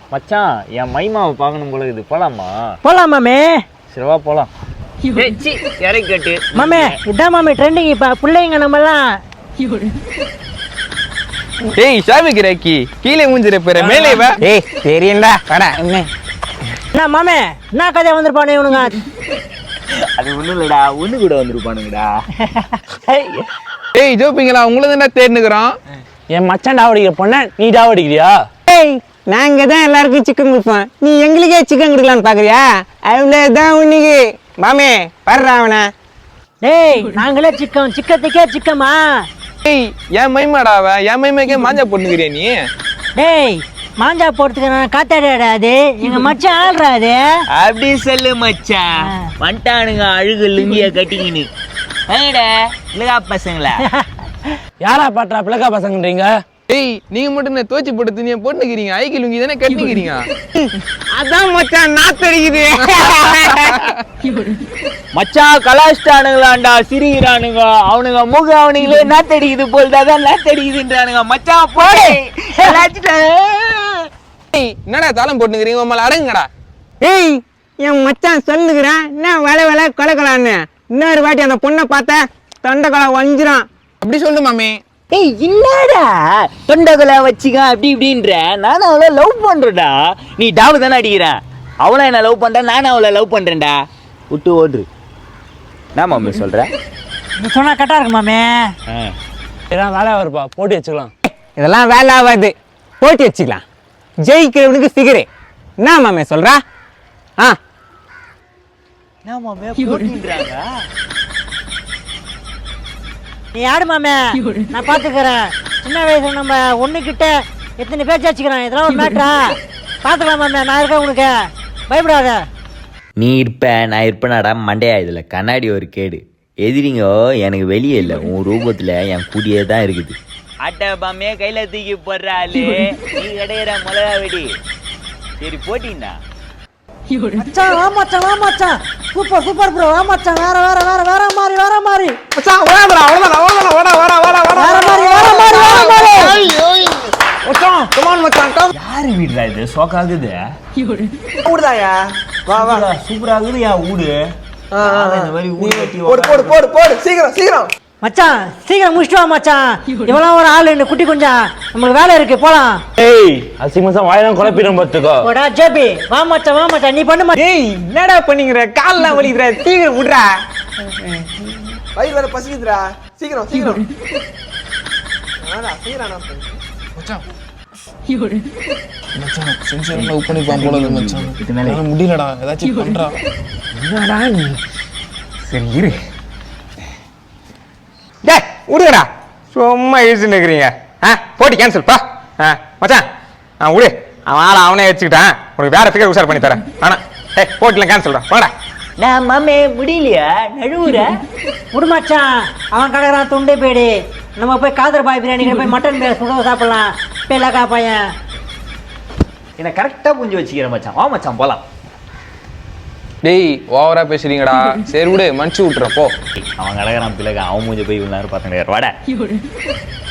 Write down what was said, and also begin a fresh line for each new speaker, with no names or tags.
மச்சான் என் மைமாவை பார்க்கணும் போல இது போலாமா?
போலாம் மாமே.
சரிவா போலாம். இறக்கி கட்டு
மாமே. இதான் மாமே ட்ரெண்டிங் இப்ப பிள்ளைங்க நம்மலாம்.
ஏய் ஷாமிக்கு ராக்கி கீழே மூஞ்சிர போற மேலே வா.
ஏய் தெரியண்டா வாடா.
என்ன மாமே என்ன கதையா வந்திருப்பானே இவனுங்க?
அது ஒண்ணும் இல்லடா, ஒண்ணு கூட வந்துருப்பானுங்கடா.
ஏய் ஜோப்பிங்களா உங்களை என்ன தேர்னுக்குறான்?
என் மச்சான் டாவடிக்கிற பொண்ண நீ டாவடிக்கிறியா?
ஏய் நாங்க தான் எல்லாருக்கும் சிக்கன் கொடுப்போம், நீ எங்களுக்கே சிக்கன் கொடுக்கலான்னு பாக்குறியா? அவ்வளவுதான் உன்னைக்கு மாமே வர்றா அவனை.
டேய் நாங்களே சிக்கத்துக்கே சிக்கமா?
ஏய் என் மைமாடாவ என் மைமாக்கே மாஞ்சா போட்டுக்கிறியா நீ?
டேய் மாஞ்சா போறதுக்கு நான் காத்தாடாடா, அது எங்க மச்சான் ஆள்றா அது.
அப்படி சொல்லு மச்சான். வந்துட்டானுங்க அழுகு லுங்கிய கட்டிக்கின்னு. இல்லகா பசங்களா?
யாரா பாட்டா பிளக்கா பசங்கன்றீங்க?
ஏய் நீங்க மட்டும் என்ன தோச்சி போட்டு துணியை போட்டுக்கிறீங்க, ஐக்கிய லுங்கி தானே கட்டிக்கிறீங்க.
அதான் மச்சான் நாத்தடிக்குது.
மச்சான் கலாச்சிட்டானுங்களாண்டா, சிரிக்கிறானுங்க அவனுங்க முக அவனுங்களே நாத்தடிக்குது போல்தான் நாத்தடிக்குதுன்றானுங்க. மச்சான் போய்
ஏய் என்னடா தாளம் போட்டுக்கிறீங்க, உங்களை அடங்குங்கடா.
ஏய் என் மச்சான் சொல்லுகிறான் என்ன வேலை வேலை கொலை கொலான்னு. இன்னொரு வாட்டி அந்த பொண்ணை பார்த்தா தொண்டை கொலை வஞ்சிரும்.
அப்படி சொல்லு மாமே.
ஏய் என்னடா தொண்டகுல வச்சுக்க அப்படி இப்படின்ற? நானும் அவளை லவ் பண்றேன்டா. நீ டாவு தானே அடிக்கிறேன். அவளை என்ன லவ் பண்றேன், நானும் அவளை லவ் பண்றேன்டா. விட்டு ஓடுரு. நான் மாமே சொல்றேன்.
நீ சொன்னா கரெக்டா இருக்கு மாமே.
இதெல்லாம் வேலை வருப்பா, போட்டி வச்சுக்கலாம்.
இதெல்லாம் வேலை ஆகாது, போட்டி வச்சுக்கலாம். ஜெயிக்கிறவனுக்கு ஃபிகரு. என்ன மாமே சொல்றா? ஆ
நான் மாமே போட்டின்றாங்க.
நீ யாரு மாமே? நான் பாத்துக்கிறேன். சின்ன வயசுல நம்ம ஒண்ணு கிட்ட எத்தனை பேச்சு வச்சுக்கிறேன். இதெல்லாம் ஒரு மேட்டரா? பாத்துக்கலாம் மாமே, நான் இருக்கேன் உனக்கு, பயப்படாத.
நீ இருப்ப நான் இருப்பேனாடா மண்டையா? இதுல கண்ணாடி ஒரு கேடு. எதிரிங்க எனக்கு வெளியே இல்லை, உன் ரூபத்துல என் கூடியே தான் இருக்குது.
அட்டை பாமே கையில தூக்கி போடுறாளே, நீ கிடையிற மிளகா வெடி. சரி போட்டின்னா
மச்சான் வா மச்சான், வா மச்சான். Super super bro. வா மச்சான். வேற வேற வேற வேற மாதிரி வேற மாதிரி.
மச்சான் ஓடா அவ்வளவுதான் ஓடா ஓடா ஓடா ஓடா
வேற மாதிரி வேற மாதிரி வேற மாதிரி.
மச்சான் கம் ஆன் மச்சான் கம்.
யாரு வீடுடா இது? சோக்காகுது.
ஊடுதாயா? வா வா
சூப்பரா இருக்குது யா ஊடு. இந்த மாதிரி ஊடு கட்டி
போடு போடு போடு போடு சீக்கிரம் சீக்கிரம்.
மச்சான் சீக்கிரம் முடிச்சிட்டு வா மச்சான். இவெல்லாம் ஒரு ஆளு இந்த குட்டி கொஞ்சம் நம்மளுக்கு வேலை இருக்கு, போலாம்.
ஏய் அசிமசா வாயெல்லாம் குழப்பிடும் பார்த்துக்கோ.
போடா ஜேபி. வா மச்சான் வா மச்சான், நீ பண்ணு மச்சான்.
ஏய் என்னடா பண்ணிக்கிற? கால்லாம் வலிக்குதுடா, சீக்கிரம் விடுறா. வயிறு வேற பசிக்குதுடா, சீக்கிரம் சீக்கிரம்.
மச்சான் மச்சான் சென்சார் லவ் பண்ணி பாம்போல மச்சான். என்னால முடியலடா, ஏதாச்சும் பண்றா.
என்னடா நீ? சரி இரு. டேய் விடுங்கடா, சும்மா இழுச்சுன்னு இருக்கிறீங்க. போட்டி கேன்சல் பா. மச்சான் விடு, அவன் ஆளை அவனே வச்சுக்கிட்டான். உனக்கு வேற ஃபிகர் உஷார் பண்ணி தரேன். ஆனால் போட்டிலாம் கேன்சல்டா, வாடா.
நான் மாமே முடியலையா நழுவுற?
விடு மச்சான், அவன் கடற்கறான் துண்டே போயிடு. நம்ம போய் காதர் பாய் பிரியாணி போய் மட்டன் பேர் சுட சாப்பிடலாம். பேலக்கா பையன்
என்ன கரெக்டா புரிஞ்சு வச்சுக்கிறேன் மச்சான். வா மச்சான் போலாம்.
டேய் ஓவரா பேசுறீங்கடா. சரி விடு, மன்னிச்சு விட்டுறேன் போ.
அவன் கடற்கறான் பிள்ளைங்க, அவன் மூஞ்சி போய் இவ்வளவு நேரம் பார்த்துட்டு வாடா.